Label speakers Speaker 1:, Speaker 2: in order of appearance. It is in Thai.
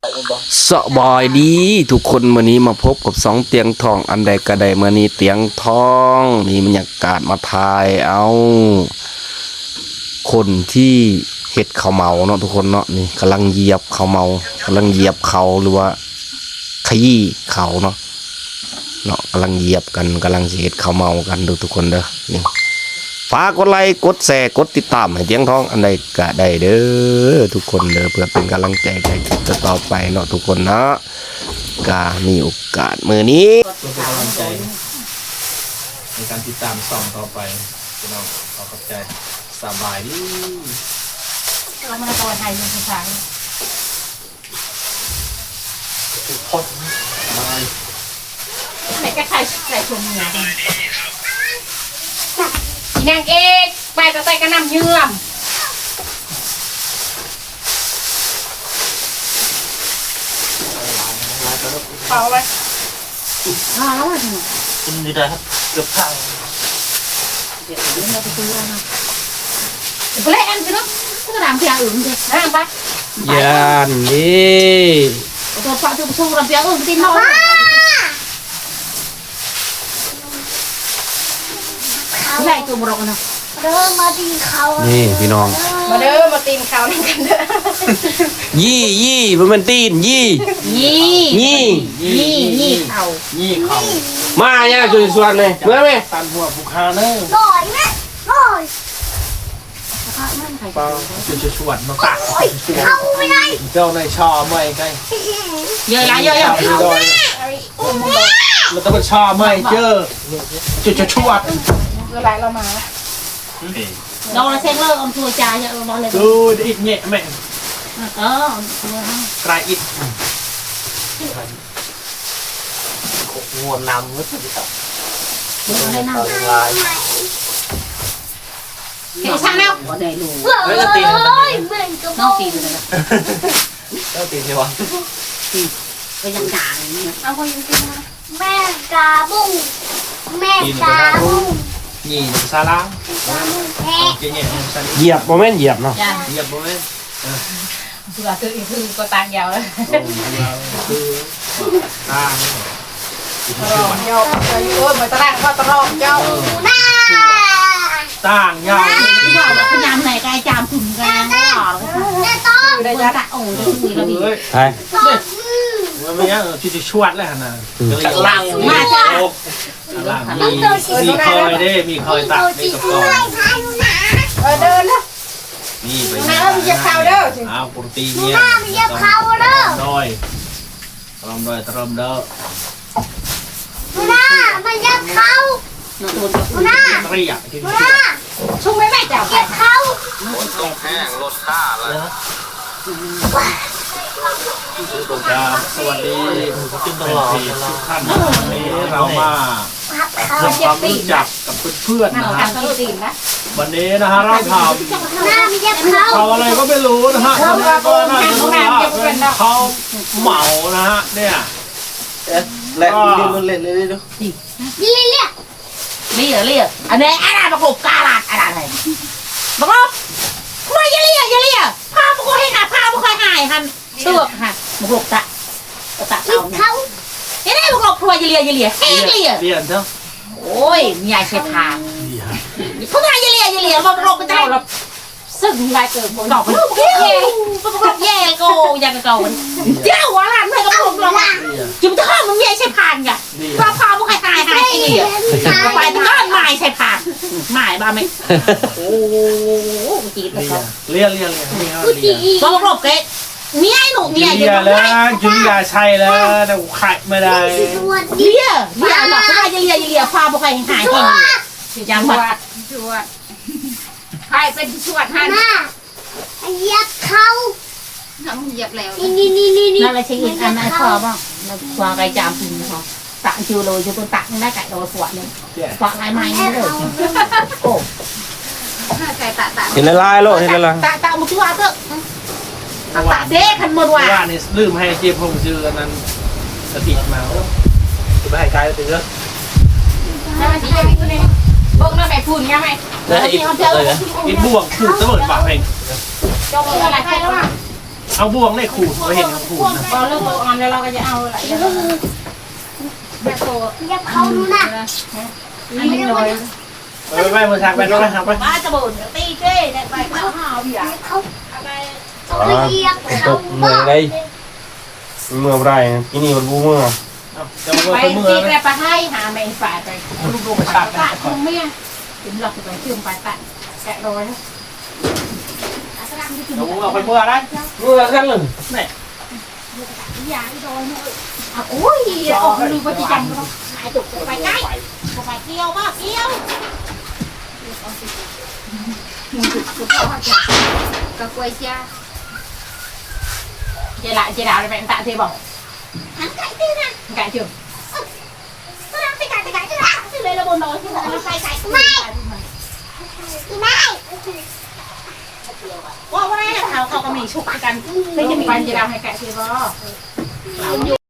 Speaker 1: สบายดีทุกคนมื้อนี้มาพบกับสองเตียงทองอันใดก็ได้มื้อนี้เตียงทองนี่บรรยากาศมาถ่ายเอาคนที่เฮ็ดข้าวเมาเนาะทุกคนเนาะนี่กำลังเหยียบข้าวเมากำลังเหยียบเขาหรือว่าขยี้เขาเนาะกำลังเหยียบกันกำลังสิเฮ็ดข้าวเมากันดูทุกคนเด้อนี่ฝากกดไลค์กดแชร์กดติดตามให้เตียงทองอันใดก็ได้เด้อทุกคนเด้อเพื่อเป็นกำลังใจให้คลิปต่อไปเนาะทุกคนเนาะก็มีโอกาสมื้อนี้
Speaker 2: เพื่อเป็นกำลังใจในการติดตามส่องต่อไปพี่น้องขอบใจสบายดี
Speaker 3: เรามาตะวันไทยเป็นภาษา
Speaker 2: ทุกคนบาย
Speaker 3: ไหนก็ใครชมงานนางเอกไปกระใส่กระนำเยื่อมเปล่าไปแล้ว
Speaker 2: กินดีได้ครับเกือบพัง
Speaker 3: เดี๋ยวเราไปซื้อแล้วนะไปเล่นกันเนาะก็ทำเพียงอื่นเลยนะไป
Speaker 1: ยานนี่
Speaker 3: ตัวฝากตัวชูรำเพียงอื่นตีนเขาใช่ตัวมรกนะ
Speaker 4: เริ่มมาตีเขา
Speaker 1: นี่พี่น้อง
Speaker 3: มาเด้อมาตีนเขาเล่นกันเด้
Speaker 1: อยี่มันตีนยี่
Speaker 3: เขา
Speaker 1: มาเนี่ยจุดส่วนเลยเมื่อไหร่
Speaker 2: ตันหัวบุคคาเนอร์
Speaker 4: หน่อยนะหน่อย
Speaker 2: เปล่าจะชวนมาตัก
Speaker 4: เข้าไม่ได้
Speaker 2: เจ้าในชอไม่ไง
Speaker 3: เยอะ
Speaker 2: แล้วต้องเป็นชอไม่เจอจะชวด
Speaker 3: เวลาเรามาเราเซ็งเลิกอมทัวจ่ายเราบอกเลย
Speaker 2: ดูอีกเงี้ยแม่กลายอิดงวนนำก็สุดที่สุดลาย
Speaker 3: เห็นช่างแล้วก็ได้รู้
Speaker 4: ไม่จะตี
Speaker 3: น้องตีเลยนะ
Speaker 2: เจ้าตีใช่ปะ
Speaker 3: ตีก็ยังด่าอย่างนี้เอาคนยังตีมา
Speaker 4: แม่กาบุ้งแม่กาบุ้ง
Speaker 2: นี่ซาลา
Speaker 1: เหยียบโมเมนต์เหยียบเนาะ
Speaker 2: เหยียบโมเมนต์
Speaker 3: คือคือก็ตางยาวแล้ว
Speaker 2: คือตาง
Speaker 3: เจ้าโอ้ยมาตรางก็ตรองเจ้า
Speaker 2: ต่างยาว
Speaker 3: ว่าพยายามไหนกายจามถึงกันไม่หรอก
Speaker 4: แต่ต้อง
Speaker 3: ได้จะตัดโอ้ยคุยแล้วดี
Speaker 1: ใช่
Speaker 2: มันไม่ยังที่จะชวดแล้วนะ
Speaker 3: หลังมาจ้ะ
Speaker 2: หลังมีคอยได้มีคอยตัดในกระป๋อง
Speaker 3: เดินนะ
Speaker 2: นี่ไป
Speaker 3: น้ำมันจะเข้าเด้อ
Speaker 2: อ้าวปกติเนี่ย
Speaker 4: น้ำมันจะเข้าเด้อ
Speaker 2: ตรมเด้อ
Speaker 4: น้ามันจะเข้าน้า
Speaker 2: เรียกที่
Speaker 4: น้า
Speaker 3: ชุ่มไม่แม่จับ
Speaker 4: จะเข้า
Speaker 2: ตกแห้งลดค่าเลยสวัสดีทุกท่านวันนี้เรามาทำความรู้จักกับเพื่อนๆนะฮะวันนี้นะฮะเราทำเขาอะไรก็ไม่รู้นะฮะก็น่าจะรู้ว่าเป็นเขาเหมานะฮะเนี่ย
Speaker 1: และเล่นเลยดู
Speaker 4: เ
Speaker 3: เรียอันนี้อะไรประกบกาลาดอะไรประกบไม่อย่าเรียพาประกบให้หาพาประกบหายคันเชือกค่ะประกบตะเขาไม่ได้ประกบทัวร์อย่าเรียเรีย
Speaker 2: นเถอะ
Speaker 3: โอ้ยมีอะไรเช็ดทางพวกนายอย่าเรียมาประกบกันได้ซึ่งลายเกิดดอกแย่โกยังเก่าเจ้าหัวหลานเพื่อนกับผมเราจิ้มท่อมันแย่ใช่พานไงพาพาพวกใครตายเองไปก้อนไม้ใช่พานไม้บ้าไหมโอ้จีบเขา
Speaker 2: เรียน
Speaker 3: บอกหลบเกตเมียหนูเมีย
Speaker 2: อยู่แล้วจุลิยาใช่แล้วแต่ไข่ไม่ได้
Speaker 3: เรียหลอกเขาจะเรียพาพวกใครหายเองยังวัดใครเป็นชวดให้
Speaker 4: เหยียบเขา
Speaker 3: ทำเหยียบแล้ว
Speaker 4: นี่
Speaker 3: นั่นแหละชิ้นอันนั้นพอบ้างพอไก่จามพิมพ์พอตักชิวเลยจะตัวตักได้ไก่โดนขวดเลยขวดลายไม้นี่เลยโอ้ไก่ตัก
Speaker 1: เห็นลายโลเห็นลาย
Speaker 3: ตักมุกว่าเถอะตักเด้ขันหมดว่ะ
Speaker 2: นี่ลืมให้เจี๊ยบพงชื่อนั้นสติมาจะไปให้ไกลถึงแล้ว
Speaker 3: นั่นสิยังไม่ได้บ้งนั่นแม่พูนยังไง
Speaker 2: แล้วอีกบ่วงผูกเสมอปากเอง
Speaker 3: จงอะไรใครแล้วอ่ะ
Speaker 2: เอาบ่วงในขูดเราเห็นเขาขูดนะ
Speaker 3: พอเริ่มออนแล้วเราก็จะเอาอะไรแบบโต
Speaker 4: เหยียบเขาดูนะ
Speaker 3: อันนี้เลย
Speaker 2: ไปมือทางไปรถนะครับไป
Speaker 3: บ้าจะบ่นตีเจ้เนี่ยไปเขาหาวอย่า
Speaker 4: เขาเหยียบ
Speaker 1: ต
Speaker 4: เขา
Speaker 1: กเมื่อไรเมื่อไรที่นี่มันบูเมื่อ
Speaker 2: จะมา
Speaker 3: ไป
Speaker 2: เมื่อ
Speaker 3: ตี
Speaker 2: ไห
Speaker 3: ไปให้หาแมงฝ่ายไป
Speaker 2: ลูกกระชาก
Speaker 3: ปะคงไม่ถึงหลักไปเชื่อมไปปะแกะรอย
Speaker 2: เราเอาไปเมื่อไร
Speaker 1: เมื่อกันเลย
Speaker 2: เนี่ย
Speaker 3: ยาโดนโอ้ยออกดูปฏิจำก็หายตุกไปใกล้ไปเกี่ยวบ้าเกี่ยวก็กล้วยเชียเจดาเลยแม่ตาเทบอก
Speaker 4: หันไก่ตีนะ
Speaker 3: ไก่chưa
Speaker 4: ก็รักไปไก่จะ
Speaker 3: chứ đây là bồn nồi chứ không phảiไก่
Speaker 4: ไม่ไม่
Speaker 3: ว่าว่าเขาก็มีชุกกันได้จะมีวันจะดาวให้ไก่เทบอก